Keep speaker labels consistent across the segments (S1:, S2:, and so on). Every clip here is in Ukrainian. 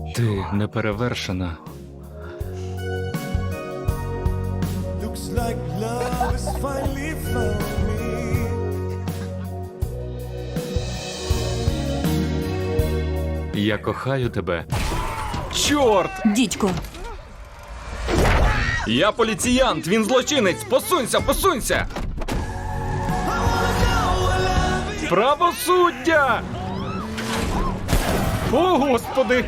S1: Ти неперевершена.
S2: Looks like love has finally found me.
S1: Я кохаю тебе. Чорт!
S3: Дідько,
S1: Я поліціянт, він злочинець! Посунься, посунься! Правосуддя! О, Господи!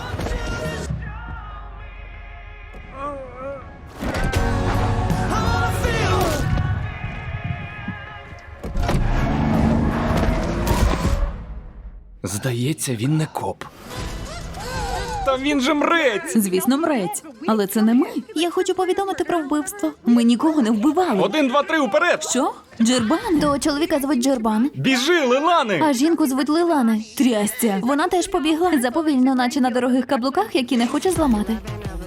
S1: Здається, він не коп. Та він же мрець!
S3: звісно, мрець. Але це не ми. Я хочу повідомити про вбивство. Ми нікого не вбивали.
S1: 1, 2, 3, уперед!
S3: Що? Джербан?
S4: Того чоловіка звуть Джербан,
S1: Біжи, Лилани!
S4: а жінку звуть Лилани.
S3: Трястя.
S4: Вона теж побігла заповільно, наче на дорогих каблуках, які не хоче зламати.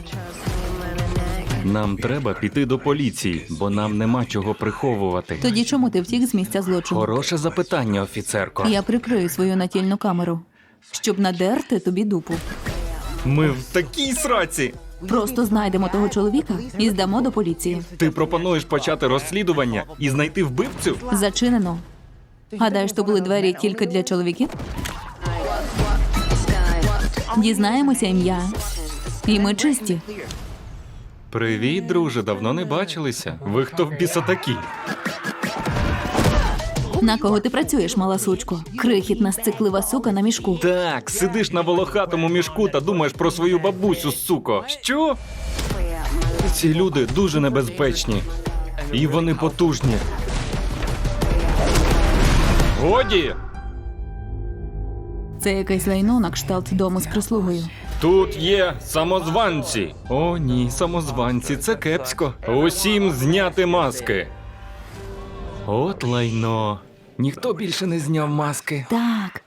S1: Нам треба піти до поліції, бо нам нема чого приховувати.
S3: Тоді чому ти втік з місця злочину?
S1: Хороше запитання, офіцерко.
S3: Я прикрию свою натільну камеру, щоб надерти тобі дупу.
S1: Ми в такій сраці.
S3: Просто знайдемо того чоловіка і здамо до поліції.
S1: Ти пропонуєш почати розслідування і знайти вбивцю?
S3: Зачинено. Гадаєш, то були двері тільки для чоловіків? Дізнаємося ім'я. І ми чисті.
S1: Привіт, друже, давно не бачилися. Ви хто в біса такі?
S3: На кого ти працюєш, мала сучко? Крихітна сциклива сука на мішку.
S1: Так, сидиш на волохатому мішку та думаєш про свою бабусю, суко. Що? Ці люди дуже небезпечні. І вони потужні. Годі!
S3: Це якесь лайно на кшталт дому з прислугою.
S1: Тут є самозванці. О, ні, самозванці, це кепсько. Усім зняти маски. От лайно. Ніхто більше не зняв маски.
S3: Так.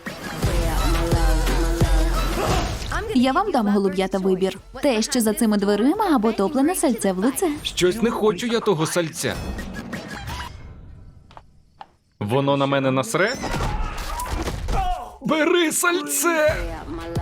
S3: Я вам дам голуб'ята вибір. Те, що за цими дверима, або топлене сальце в лице.
S1: Щось не хочу я того сальця. Воно на мене насре? Бери сальце!